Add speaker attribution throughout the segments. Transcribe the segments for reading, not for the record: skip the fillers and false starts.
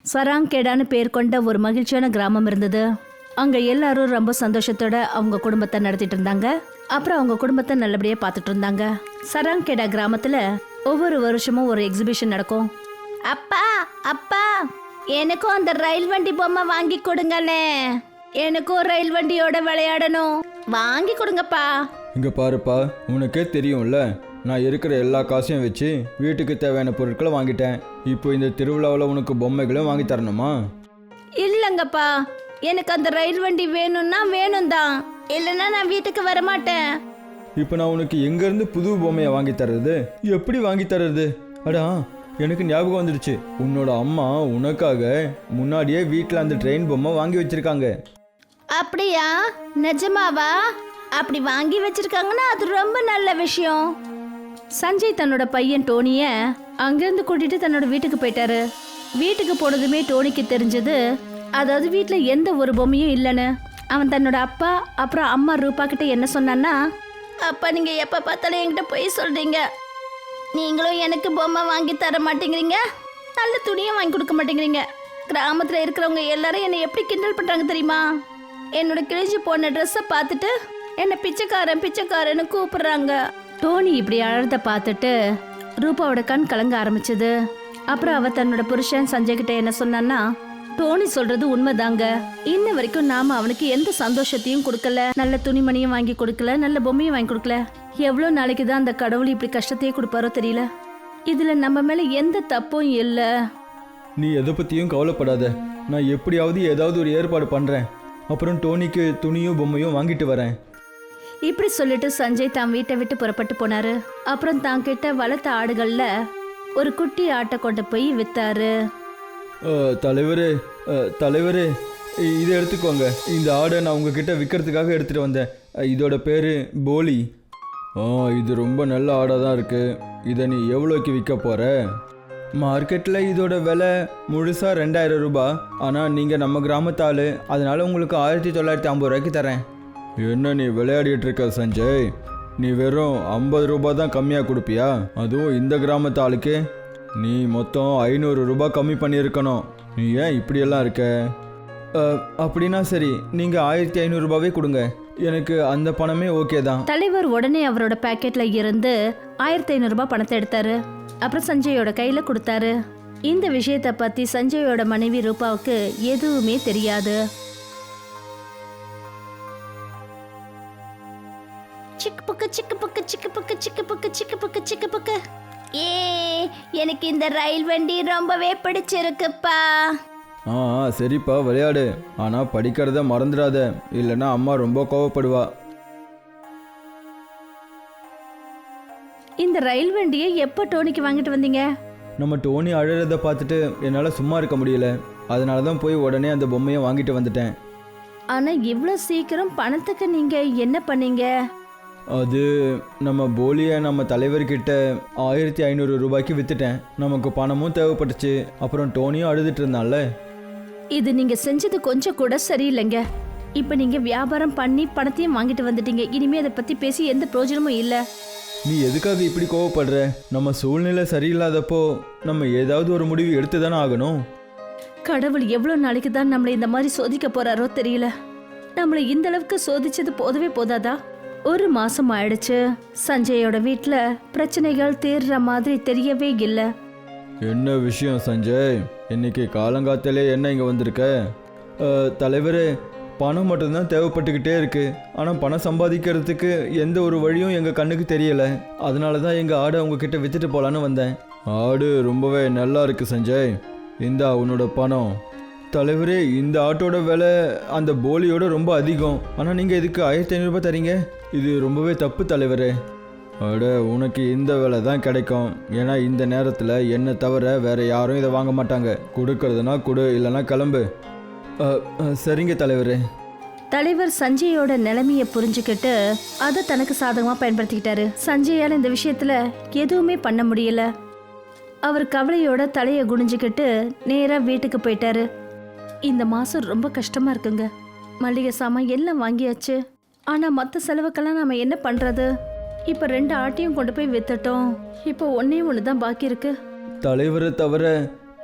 Speaker 1: சராங்கேடான்னு பேர் கொண்ட ஒரு மகிழ்ச்சியான கிராமம் இருந்தது. அங்க எல்லாரும் ரொம்ப சந்தோஷத்தோட அவங்க குடும்பத்தை நடத்திட்டு இருந்தாங்க. அப்புறம் அவங்க குடும்பத்தை நல்லபடியா பார்த்துட்டு இருந்தாங்க. சராங்கேடா கிராமத்துல ஒவ்வொரு வருஷமும் ஒரு எக்ஸிபிஷன் நடக்கும். அப்பா அப்பா, எனக்கும் அந்த ரயில் வண்டி பொம்மை வாங்கி கொடுங்கண்ணே. எனக்கும் ரயில் வண்டியோட விளையாடணும். வாங்கி கொடுங்கப்பா.
Speaker 2: இங்கே பாருப்பா, உனக்கே தெரியும்ல, நான் இருக்கிற எல்லா காசையும் வச்சு வீட்டுக்கு தேவையான பொருட்களை வாங்கிட்டேன். இப்போ இந்த திருவிழாவில் உனக்கு பொம்மைகளும் வாங்கி தரணுமா?
Speaker 1: இல்லைங்கப்பா, எனக்கு அந்த ரயில் வண்டி வேணும்னா வேணும் தான், இல்லைன்னா நான் வீட்டுக்கு வரமாட்டேன்.
Speaker 2: இப்போ நான் உனக்கு எங்கேருந்து புது பொம்மையை வாங்கி தர்றது? எப்படி வாங்கி தர்றது? அடா, எனக்கு ஞாபகம் வந்துடுச்சு. உன்னோட அம்மா உனக்காக முன்னாடியே வீட்டில் அந்த ட்ரெயின் பொம்மை வாங்கி வச்சிருக்காங்க.
Speaker 1: அப்படியா? நிஜமாவா? அப்படி வாங்கி வச்சிருக்காங்கன்னா அது ரொம்ப நல்ல விஷயம். சஞ்சய் தன்னோட பையன் டோனிய அங்கிருந்து கூட்டிட்டு தன்னோட வீட்டுக்கு போயிட்டாரு. வீட்டுக்கு போனதுமே டோனிக்கு தெரிஞ்சது, அதாவது வீட்டுல எந்த ஒரு பொம்மையும் இல்லைன்னு. அவன் தன்னோட அப்பா அப்புறம் அம்மா ரூபா கிட்ட என்ன சொன்னான்னா, அப்பா நீங்க எப்ப பார்த்தாலும் என்கிட்ட போய் சொல்றீங்க. நீங்களும் எனக்கு பொம்மை வாங்கி தர மாட்டேங்கிறீங்க, நல்ல துணியும் வாங்கி கொடுக்க மாட்டேங்கிறீங்க. கிராமத்துல இருக்கிறவங்க எல்லாரும் என்னை எப்படி கிண்டல் பண்றாங்க தெரியுமா? என்னோட கிழிஞ்சு போன ட்ரெஸ்ஸை பார்த்துட்டு என்னை பிச்சைக்காரன் பிச்சைக்காரன்னு கூப்பிடுறாங்க. டோனி இப்படி அழறத பார்த்துட்டு ரூபாவோட கண் கலங்க ஆரம்பிச்சது. அப்புறம் அவ தன்னோட புருஷன் சஞ்சய் கிட்ட என்ன சொன்னான்னா, டோனி சொல்றது உண்மைதாங்க. இன்ன வரைக்கும் நாம அவனுக்கு எந்த சந்தோஷத்தையும் கொடுக்கல, நல்ல துணிமணியும் வாங்கி கொடுக்கல, நல்ல பொம்மையும் வாங்கி கொடுக்கல. எவ்வளவு நாளைக்கு தான் அந்த கடவுள் இப்படி கஷ்டத்தையே கொடுப்பாரோ தெரியல. இதுல நம்ம மேல எந்த தப்பும் இல்ல.
Speaker 2: நீ எதை பற்றியும் கவலைப்படாத, நான் எப்படியாவது ஏதாவது ஒரு ஏற்பாடு பண்ணுறேன். அப்புறம் டோனிக்கு துணியும் பொம்மையும் வாங்கிட்டு வரேன்.
Speaker 1: இப்படி சொல்லிட்டு சஞ்சய் தான் வீட்டை விட்டு புறப்பட்டு போனாரு. அப்புறம் தான் கிட்ட வளர்த்த ஆடுகள்ல ஒரு குட்டி ஆட்டை கொண்டு போய் வித்தாரு.
Speaker 2: தலைவரே, தலைவரே, இதை எடுத்துக்கோங்க. இந்த ஆடை நான் உங்ககிட்ட விற்கிறதுக்காக எடுத்துகிட்டு வந்தேன். இதோட பேர் போலி. இது ரொம்ப நல்ல ஆடாக தான் இருக்குது. இதை நீ எவ்வளோக்கு விற்க போகிற? மார்க்கெட்டில் இதோட விலை முழுசாக 2000 ரூபாய். ஆனால் நீங்கள் நம்ம கிராமத்தாள், அதனால் உங்களுக்கு 1950 ரூபாய்க்கு தரேன். என்ன நீ விளையாடிட்டு இருக்க சஞ்சய்? நீ வெறும் 50 ரூபாய் தான் கம்மியாக கொடுப்பியா? அதுவும் இந்த கிராமத்து ஆளுக்கு நீ மொத்தம் 500 ரூபாய் கம்மி பண்ணியிருக்கணும். நீ ஏன் இப்படியெல்லாம் இருக்க? அப்படின்னா சரி, நீங்கள் 1500 ரூபாவே கொடுங்க. எனக்கு அந்த பணமே ஓகே தான்.
Speaker 1: தலைவர் உடனே அவரோட பாக்கெட்ல இருந்து 1500 ரூபாய் பணத்தை எடுத்தாரு. அப்புறம் சஞ்சயோட கையில கொடுத்தாரு. இந்த விஷயத்தை பத்தி சஞ்சயோட மனைவி ரூபாவுக்கு எதுவுமே தெரியாது. சிக்கு புக்கு சிக்கு புக்கு சிக்கு புக்கு சிக்கு புக்கு சிக்கு புக்கு சிக்கு புக்கு. எனக்கு இந்த ரயில் வண்டி ரொம்பவே பிடிச்சிருக்குப்பா.
Speaker 2: சரிப்பா, விளையாடு. ஆனால் படிக்கிறத மறந்துடாத, இல்லைன்னா அம்மா ரொம்ப கோவப்படுவா.
Speaker 1: இந்த ரயில் வண்டியை எப்போ டோனிக்கு வாங்கிட்டு வந்தீங்க?
Speaker 2: நம்ம டோனி அழறதை பார்த்துட்டு என்னால் சும்மா இருக்க முடியல. அதனால தான் போய் உடனே அந்த பொம்மையை வாங்கிட்டு வந்துட்டேன்.
Speaker 1: ஆனால் இவ்வளோ சீக்கிரம் பணத்துக்கு நீங்கள் என்ன பண்ணீங்க?
Speaker 2: அது நம்ம போலியை நம்ம தலைவர்கிட்ட 1500 ரூபாய்க்கு விற்றுட்டேன். நமக்கு பணமும் தேவைப்பட்டுச்சு. அப்புறம் டோனியும் அழுதுட்டு இருந்தான்ல.
Speaker 1: இது நீங்கள் செஞ்சது கொஞ்சம் கூட சரியில்லைங்க. இப்போ நீங்கள் வியாபாரம் பண்ணி பணத்தையும் வாங்கிட்டு வந்துட்டீங்க. இனிமே அதை பற்றி பேசி எந்த பிரயோஜனமும் இல்லை.
Speaker 2: நீ எதுக்காக இப்படி கோவப்படுற? நம்ம சூழ்நிலை சரியில்லாதப்போ நம்ம ஏதாவது ஒரு முடிவு எடுத்து தானே ஆகணும்.
Speaker 1: கடவுள் எவ்வளோ நாளைக்கு தான் நம்மளை இந்த மாதிரி சோதிக்க போறாரோ தெரியல. நம்மளை இந்த அளவுக்கு சோதிச்சது போதவே போதாதா? 1 மாசம் ஆயிடுச்சு. சஞ்சயோட வீட்டில் பிரச்சனைகள் தீர்ற மாதிரி தெரியவே இல்லை.
Speaker 2: என்ன விஷயம் சஞ்சய்? இன்னைக்கு காலங்காத்தாலே என்ன இங்கே வந்திருக்க? தலைவரே, பணம் மட்டும்தான் தேவைப்பட்டுக்கிட்டே இருக்கு. ஆனால் பணம் சம்பாதிக்கிறதுக்கு எந்த ஒரு வழியும் எங்கள் கண்ணுக்கு தெரியலை. அதனால தான் எங்கள் ஆடை உங்ககிட்ட விற்றுட்டு போகலான்னு வந்தேன். ஆடு ரொம்பவே நல்லா இருக்கு சஞ்சய், இந்தா உன்னோட பணம். தலைவரே, இந்த ஆட்டோட விலை அந்த போலியோட ரொம்ப அதிகம். ஆனால் நீங்கள் இதுக்கு 1500 ரூபாய் தரீங்க. இது ரொம்பவே தப்பு தலைவரே. அட, உனக்கு இந்த விலை தான் கிடைக்கும். ஏன்னா இந்த நேரத்தில் என்னை தவிர வேற யாரும் இதை வாங்க மாட்டாங்க. கொடுக்கறதுனா கொடு, இல்லைன்னா கிளம்பு. சரிங்க தலைவரே.
Speaker 1: தலைவர் சஞ்சயோட நிலைமையை புரிஞ்சுக்கிட்டு அதை தனக்கு சாதகமாக பயன்படுத்திக்கிட்டாரு. சஞ்சயால் இந்த விஷயத்துல எதுவுமே பண்ண முடியல. அவர் கவலையோட தலையை குனிஞ்சுக்கிட்டு நேராக வீட்டுக்கு போயிட்டாரு. இந்த மாதம் ரொம்ப கஷ்டமாக இருக்குங்க. மளிகை சாமான் எல்லாம் வாங்கியாச்சு. ஆனால் மற்ற செலவுக்கெல்லாம் நாம் என்ன பண்ணுறது? இப்போ 2 ஆட்டையும் கொண்டு போய் வித்துட்டோம். இப்போ ஒன்றே ஒன்று தான் பாக்கி இருக்கு.
Speaker 2: தலைவரை தவிர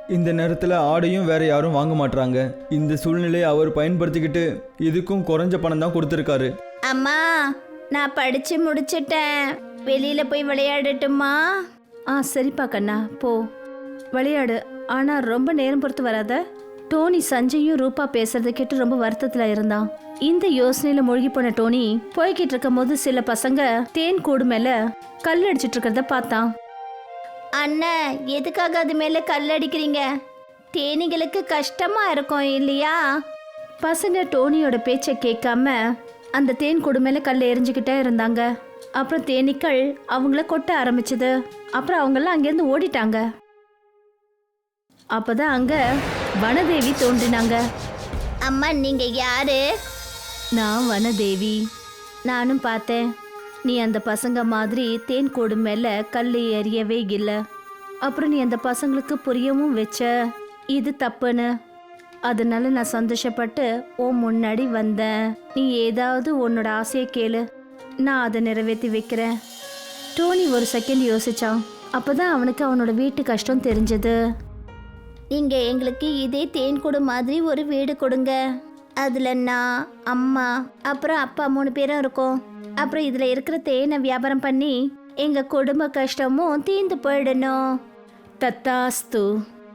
Speaker 2: இந்த நேரத்தில் ஆடையும் வேற யாரும் வாங்க மாட்றாங்க. இந்த சூழ்நிலையை அவர் பயன்படுத்திக்கிட்டு இதுக்கும் குறைஞ்ச பணம் தான் கொடுத்துருக்காரு.
Speaker 1: அம்மா, நான் படிச்சு முடிச்சிட்டேன். வெளியில போய் விளையாடட்டுமா? சரிப்பா கண்ணா, போ விளையாடு. ஆனா ரொம்ப நேரம் பொறுத்து வராத. டோனி சஞ்சயும் ரூபா பேசுறத கேட்டு ரொம்ப வருத்தத்துல இருந்தான். இந்த யோசனையில மூழ்கி போன டோனி போய்கிட்டு இருக்கும் போது சில பசங்க தேன் கூடு மேல கல் அடிச்சிட்டு இருக்கிறத பார்த்தான். அண்ணன், எதுக்காக அது மேல கல் அடிக்கிறீங்க? தேனீகளுக்கு கஷ்டமா இருக்கும் இல்லையா? பசங்க டோனியோட பேச்சை கேட்காம அந்த தேன் கூடு மேல கல் எரிஞ்சுக்கிட்டே இருந்தாங்க. அப்புறம் தேனீக்கள் அவங்கள கொட்ட ஆரம்பிச்சது. அப்புறம் அவங்கெல்லாம் அங்கேருந்து ஓடிட்டாங்க. அப்பதான் அங்க வனதேவி தோன்றினாங்க. அம்மா, நீங்க யாரு? நான் வனதேவி. நானும் பார்த்தேன், நீ அந்த பசங்க மாதிரி தேன் கூடு மேல கல் எறியவே இல்லை. அப்புறம் நீ அந்த பசங்களுக்கு புரியவும் வச்ச இது தப்புன்னு. அதனால நான் சந்தோஷப்பட்டு உன் முன்னாடி வந்தேன். நீ ஏதாவது உன்னோட ஆசையை கேளு, நான் அதை நிறைவேற்றி வைக்கிறேன். டோனி ஒரு செகண்ட் யோசிச்சான். அப்பதான் அவனுக்கு அவனோட வீட்டு கஷ்டம் தெரிஞ்சது. நீங்க எங்களுக்கு இதே தேன்கூடு மாதிரி ஒரு வீடு கொடுங்க. அதுல நான், அம்மா, அப்புறம் அப்பா 3 பேரும் இருக்கோம். அப்புறம் இதுல இருக்கிற தேனை வியாபாரம் பண்ணி எங்க குடும்ப கஷ்டமும் தீர்ந்து போயிடணும். தத்தாஸ்து.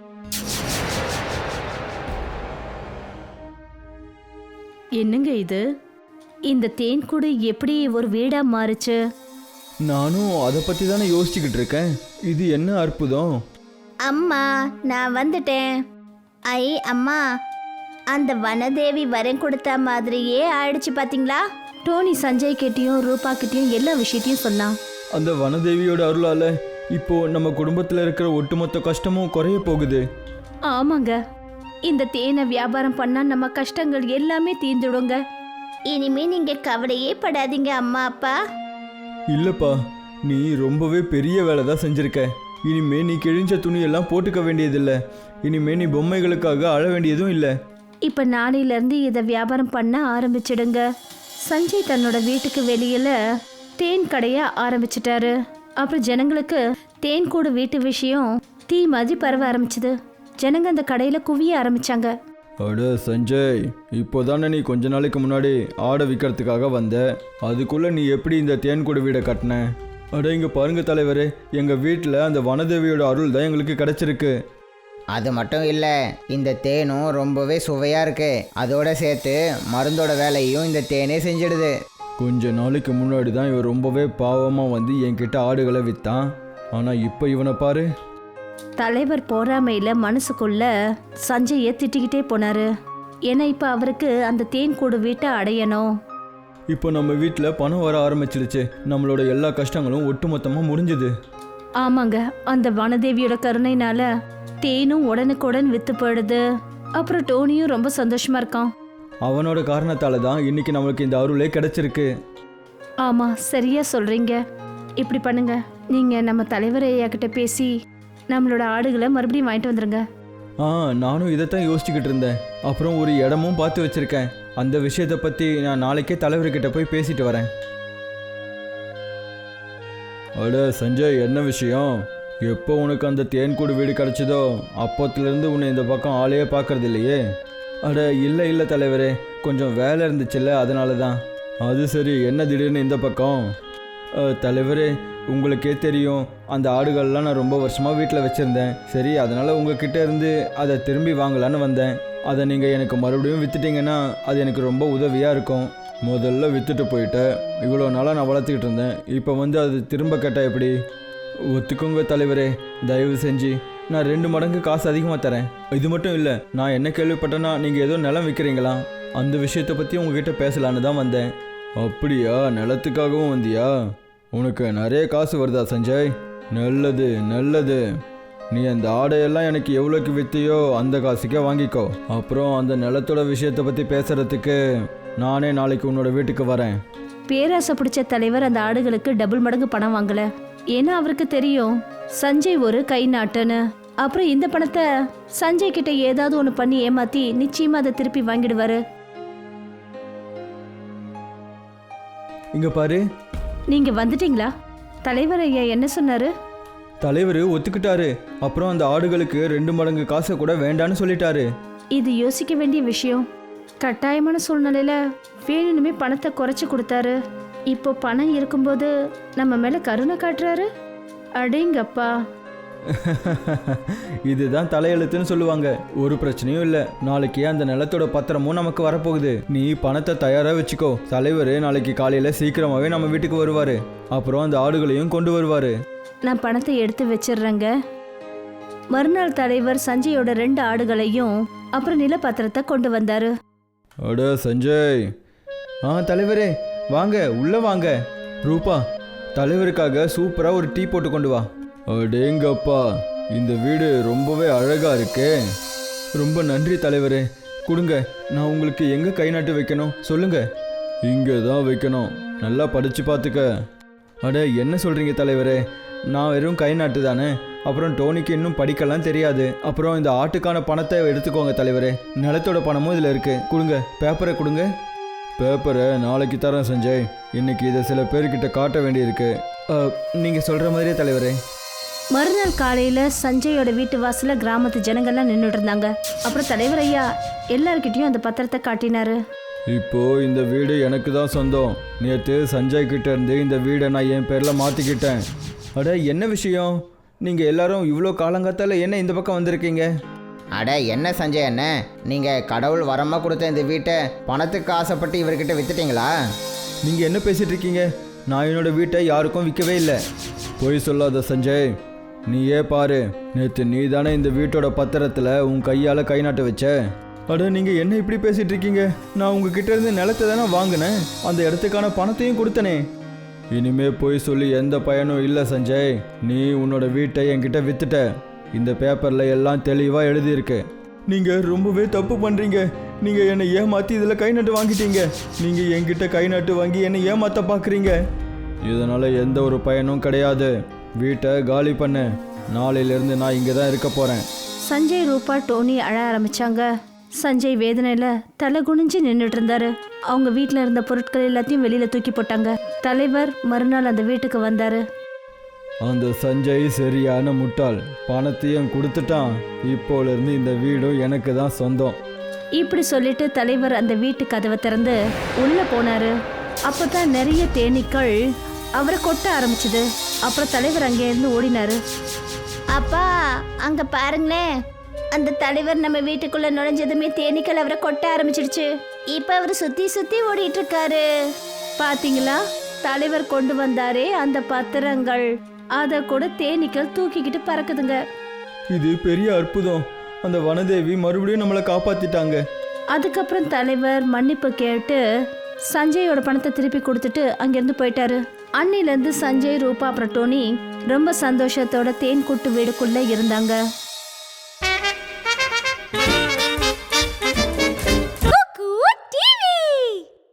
Speaker 1: என்னங்க இது? இந்த தேன்கூடு எப்படி ஒரு வீடா மாறுச்சு?
Speaker 2: நானும் அதை பற்றி தானே யோசிச்சுக்கிட்டு இருக்கேன். இது என்ன அற்புதம்.
Speaker 1: அம்மா, நான் வந்துட்டேன். அம்மா, அந்த வனதேவி வரம் கொடுத்த மாதிரியே ஆயிடுச்சு பாத்தீங்களா? டோனி சஞ்சய் கிட்டயும் ரூபா கிட்டயும் எல்லா விஷயத்தையும் சொன்னான்.
Speaker 2: அந்த வனதேவியோட அருளால இப்போ நம்ம குடும்பத்தில் இருக்கிற ஒட்டுமொத்த கஷ்டமும் குறைய போகுது.
Speaker 1: ஆமாங்க, இந்த தேனை வியாபாரம் பண்ணா நம்ம கஷ்டங்கள் எல்லாமே தீர்ந்துடுங்க. இனிமே நீங்க கவலையே படாதீங்க அம்மா அப்பா.
Speaker 2: இல்லப்பா, நீ ரொம்பவே பெரிய வேலை தான் செஞ்சிருக்க. இனிமே நீ கிழிஞ்ச துணியெல்லாம் போட்டுக்க வேண்டியதில்லை. இனிமே நீ பொம்மைகளுக்காக அழ வேண்டியதும் இல்லை.
Speaker 1: இப்ப நாளையில இருந்து இதை வியாபாரம் பண்ண ஆரம்பிச்சிடுங்க. சஞ்சய் தன்னோட வீட்டுக்கு வெளியில தேன் கடைய ஆரம்பிச்சிட்டாரு. அப்புறம் ஜனங்களுக்கு தேன் கூடு வீட்டு விஷயம் தீ மாதிரி பரவ ஆரம்பிச்சது. ஜனங்க அந்த கடையில குவிய ஆரம்பிச்சாங்க.
Speaker 2: அட சஞ்சய், இப்போதானே நீ கொஞ்ச நாளைக்கு முன்னாடி ஆடை விற்கிறதுக்காக வந்த. அதுக்குள்ள நீ எப்படி இந்த தேன்கூடு வீடை கட்டின? அட இங்கே பாருங்க தலைவரே, எங்கள் வீட்டில் அந்த வனதேவியோட அருள் தான் எங்களுக்கு கிடைச்சிருக்கு.
Speaker 3: அது மட்டும் இல்லை, இந்த தேனும் ரொம்பவே சுவையாக இருக்கு. அதோட சேர்த்து மருந்தோட வேலையும் இந்த தேனே செஞ்சிடுது.
Speaker 2: கொஞ்ச நாளைக்கு முன்னாடி தான் இவன் ரொம்பவே பாவமாக வந்து என்கிட்ட ஆடுகளை விற்றான். ஆனால் இப்போ இவனை பாரு.
Speaker 1: தலைவர் பொறாமையில மனசுக்குள்ள சஞ்சயை திட்டிக்கிட்டே போனாரு. ஏன்னா இப்ப அவருக்கு அந்த தேன் கூடு வீட்டை அடையணும்.
Speaker 2: இப்போ நம்ம வீட்டில் பணம் வர ஆரம்பிச்சிடுச்சு. நம்மளோட எல்லா கஷ்டங்களும் ஒட்டுமொத்தமாக முடிஞ்சுது.
Speaker 1: ஆமாங்க, அந்த வனதேவியோட கருணைனால தேனும் உடனுக்குடன் வித்து போயிடுது. அப்புறம் டோனியும் ரொம்ப சந்தோஷமா இருக்கான்.
Speaker 2: அவனோட காரணத்தால தான் இன்னைக்கு நம்மளுக்கு இந்த அருளே கிடைச்சிருக்கு.
Speaker 1: ஆமா, சரியா சொல்றீங்க. இப்படி பண்ணுங்க, நீங்க நம்ம தலைவர் ஐயா கிட்ட பேசி நம்மளோட ஆடுகளை மறுபடியும் வாங்கிட்டு வந்துருங்க.
Speaker 2: நானும் இதைத்தான் யோசிச்சுக்கிட்டு இருந்தேன். அப்புறம் ஒரு இடமும் பார்த்து வச்சிருக்கேன். அந்த விஷயத்தை பற்றி நான் நாளைக்கே தலைவர்கிட்ட போய் பேசிட்டு வரேன். அட சஞ்சய், என்ன விஷயம்? எப்போ உனக்கு அந்த தேன்கூடு வீடு கிடச்சிதோ அப்போத்துலேருந்து உன்னை இந்த பக்கம் ஆளையே பார்க்கறது இல்லையே? அட இல்லை தலைவரே, கொஞ்சம் வேலை இருந்துச்சுல்ல, அதனால தான். அது சரி, என்ன திடீர்னு இந்த பக்கம்? தலைவரே, உங்களுக்கே தெரியும், அந்த ஆடுகள்லாம் நான் ரொம்ப வருஷமாக வீட்டில் வச்சுருந்தேன். சரி, அதனால் உங்ககிட்ட இருந்து அதை திரும்பி வாங்கலான்னு வந்தேன். அதை நீங்கள் எனக்கு மறுபடியும் விற்றுட்டிங்கன்னா அது எனக்கு ரொம்ப உதவியாக இருக்கும். முதல்ல விற்றுட்டு போயிட்டேன். இவ்வளோ நாளாக நான் வளர்த்துக்கிட்டு இருந்தேன். இப்போ வந்து அது திரும்ப கேட்டால் எப்படி? ஒத்துக்கோங்க தலைவரே, தயவு செஞ்சு நான் 2 மடங்கு காசு அதிகமாக தரேன். இது மட்டும் இல்லை, நான் என்ன கேள்விப்பட்டேன்னா நீங்கள் ஏதோ நிலம் விற்கிறீங்களா? அந்த விஷயத்தை பற்றி உங்ககிட்ட பேசலான்னு தான் வந்தேன். அப்படியா? நிலத்துக்காகவும் வந்தியா? உனக்கு நிறைய காசு வருதா சஞ்சய்? நல்லது நல்லது. நீ அந்த ஆடையெல்லாம் எனக்கு எவ்வளோக்கு விற்றையோ அந்த காசுக்கே வாங்கிக்கோ. அப்புறம் அந்த நிலத்தோட விஷயத்தை பற்றி பேசுகிறதுக்கு நானே நாளைக்கு உன்னோட வீட்டுக்கு வரேன்.
Speaker 1: பேராசை பிடிச்ச தலைவர் அந்த ஆடுகளுக்கு டபுள் மடங்கு பணம் வாங்கல. ஏன்னா அவருக்கு தெரியும் சஞ்சய் ஒரு கை நாட்டுன்னு. அப்புறம் இந்த பணத்தை சஞ்சய் கிட்ட ஏதாவது ஒன்று பண்ணி ஏமாத்தி நிச்சயமா அதை திருப்பி வாங்கிடுவாரு.
Speaker 2: இங்க பாரு.
Speaker 1: நீங்க வந்துட்டீங்களா? தலைவர் ஐயா என்ன சொன்னாரு?
Speaker 2: தலைவர் ஒத்துக்கிட்டாரு. அப்புறம் அந்த ஆடுகளுக்கு 2 மடங்கு காசை கூட வேண்டான்னு சொல்லிட்டாரு.
Speaker 1: இது யோசிக்க வேண்டிய விஷயம். கட்டாயமான சூழ்நிலையில வேணுமே பணத்தை குறைச்சி கொடுத்தாரு. இப்போ பணம் இருக்கும்போது நம்ம மேல கருணை காட்டுறாரு. அடேங்கப்பா.
Speaker 2: இதுதான் தலையெழுத்துன்னு சொல்லுவாங்க. ஒரு பிரச்சனையும் இல்லை. நாளைக்கு அந்த நிலத்தோட பத்திரமும் நமக்கு வரப்போகுது. நீ பணத்தை தயாரா வச்சுக்கோ. தலைவர் நாளைக்கு காலையில சீக்கிரமாவே நம்ம வீட்டுக்கு வருவாரு. அப்புறம் அந்த ஆடுகளையும் கொண்டு வருவாரு.
Speaker 1: நான் பணத்தை எடுத்து வச்சிடுறேங்க. மறுநாள் தலைவர் சஞ்சயோட 2 ஆடுகளையும் அப்புறம் நிலப்பத்திரத்தை கொண்டு வந்தாரு.
Speaker 2: அட சஞ்சய். தலைவரே வாங்க, உள்ள வாங்க. ரூபா, தலைவருக்காக சூப்பரா ஒரு டீ போட்டு கொண்டு வா. அடேங்கப்பா, இந்த வீடு ரொம்பவே அழகா இருக்கே. ரொம்ப நன்றி தலைவரே. கொடுங்க, நான் உங்களுக்கு எங்க கை நாட்டு வைக்கணும் சொல்லுங்க. இங்கே தான் வைக்கணும். நல்லா படிச்சு பார்த்துக்க. அட என்ன சொல்றீங்க தலைவரே? நான் வெறும் கை நாட்டு தானே. அப்புறம் டோனிக்கு இன்னும் படிக்கலாம் தெரியாது. அப்புறம் இந்த ஆட்டுக்கான பணத்தை எடுத்துக்கோங்க தலைவரே. நிலத்தோட பணமும் இதில் இருக்கு. கொடுங்க, பேப்பரை கொடுங்க. பேப்பரை நாளைக்கு தரேன் சஞ்சய். இன்னைக்கு இதை சில பேர்கிட்ட காட்ட வேண்டியிருக்கு. நீங்கள் சொல்கிற மாதிரியே தலைவரே.
Speaker 1: மறுநாள் காலையில சஞ்சயோட வீட்டு வாசல்ல கிராமத்து ஜனங்கள்லாம் நின்றுட்டு இருந்தாங்க. அப்புறம் தலைவர் ஐயா எல்லார்கிட்டயும் அந்த பத்திரத்தை காட்டினாரு.
Speaker 2: இப்போ இந்த வீடு எனக்கு தான் சொந்தம். நேற்று சஞ்சய் கிட்ட இருந்து இந்த வீடை நான் என் பேர்ல மாத்திக்கிட்டேன். அட என்ன விஷயம்? நீங்க எல்லாரும் இவ்வளோ காலங்காத்தால என்ன இந்த பக்கம் வந்திருக்கீங்க?
Speaker 3: அட என்ன சஞ்சய் அண்ணே, நீங்கள் கடவுள் வரமாக கொடுத்த இந்த வீட்டை பணத்துக்கு ஆசைப்பட்டு இவர்கிட்ட வித்துட்டீங்களா?
Speaker 2: நீங்க என்ன பேசிட்டு இருக்கீங்க? நான் என்னோட வீட்டை யாருக்கும் விற்கவே இல்லை. பொய் சொல்லாத சஞ்சய். நீயே பாரு, நேற்று நீ தானே இந்த வீட்டோட பத்திரத்தில் உன் கையால் கை நாட்ட வச்ச. அட நீங்கள் என்ன இப்படி பேசிட்டு இருக்கீங்க? நான் உங்ககிட்ட இருந்து நிலத்தை தானே வாங்கினேன். அந்த இடத்துக்கான பணத்தையும் கொடுத்தனே. இனிமே போய் சொல்லி எந்த பயனும் இல்லை சஞ்சய். நீ உன்னோட வீட்டை என்கிட்ட வித்துட்ட. இந்த பேப்பரில் எல்லாம் தெளிவாக எழுதியிருக்கு. நீங்கள் ரொம்பவே தப்பு பண்ணுறீங்க. நீங்கள் என்னை ஏமாற்றி இதில் கை நாட்டு வாங்கிட்டீங்க. நீங்கள் என்கிட்ட கை நாட்டு வாங்கி என்னை ஏமாற்ற பார்க்குறீங்க. இதனால் எந்த ஒரு பயனும் கிடையாது. வீட்டை காலி பண்ணு. நாளையிலேருந்து நான் இங்கே தான் இருக்க போகிறேன்.
Speaker 1: சஞ்சய், ரூபா, டோனி அழ ஆரம்பிச்சாங்க. சஞ்சய் வேதனையில தலை குனிஞ்சு நின்றுட்டு இருந்தாரு. அவங்க வீட்டில் இருந்த பொருட்கள் எல்லாத்தையும் வெளியில தூக்கி போட்டாங்க. தலைவர் மறுநாள் அந்த வீட்டுக்கு வந்தாரு.
Speaker 2: அந்த சஞ்சய் சரியான முட்டாள். பணத்தையும் கொடுத்துட்டான். இப்போலேருந்து இந்த வீடும் எனக்கு தான் சொந்தம்.
Speaker 1: இப்படி சொல்லிட்டு தலைவர் அந்த வீட்டு கதவை திறந்து உள்ள போனாரு. அப்பதான் நிறைய தேனீக்கள் அவரை கொட்ட ஆரம்பிச்சது. அப்புறம் தலைவர் அங்கே இருந்து ஓடினாரு. அப்பா, அங்க பாருங்களேன். அந்த தலைவர் நம்ம வீட்டுக்குள்ள நுழைஞ்சதுமே தேனீக்கள் அவரை கொட்ட ஆரம்பிச்சிடுச்சு. இப்ப அவர் சுத்தி சுத்தி ஓடிட்டு இருக்காரு. பாத்தீங்களா? தலைவர் கொண்டு வந்தாரே அந்த பத்திரங்கள், அத கூட தேனீக்கள் தூக்கிக்கிட்டு பறக்குதுங்க.
Speaker 2: இது பெரிய அற்புதம். அந்த வனதேவி மறுபடியும் நம்மளை காப்பாத்திட்டாங்க.
Speaker 1: அதுக்கப்புறம் தலைவர் மன்னிப்பு கேட்டு சஞ்சயோட பணத்தை திருப்பி கொடுத்துட்டு அங்கிருந்து போயிட்டாரு. அன்னிலேருந்து சஞ்சய், ரூபா அப்புறம் டோனி ரொம்ப சந்தோஷத்தோட தேன் கூட்டு வீடுக்குள்ள இருந்தாங்க.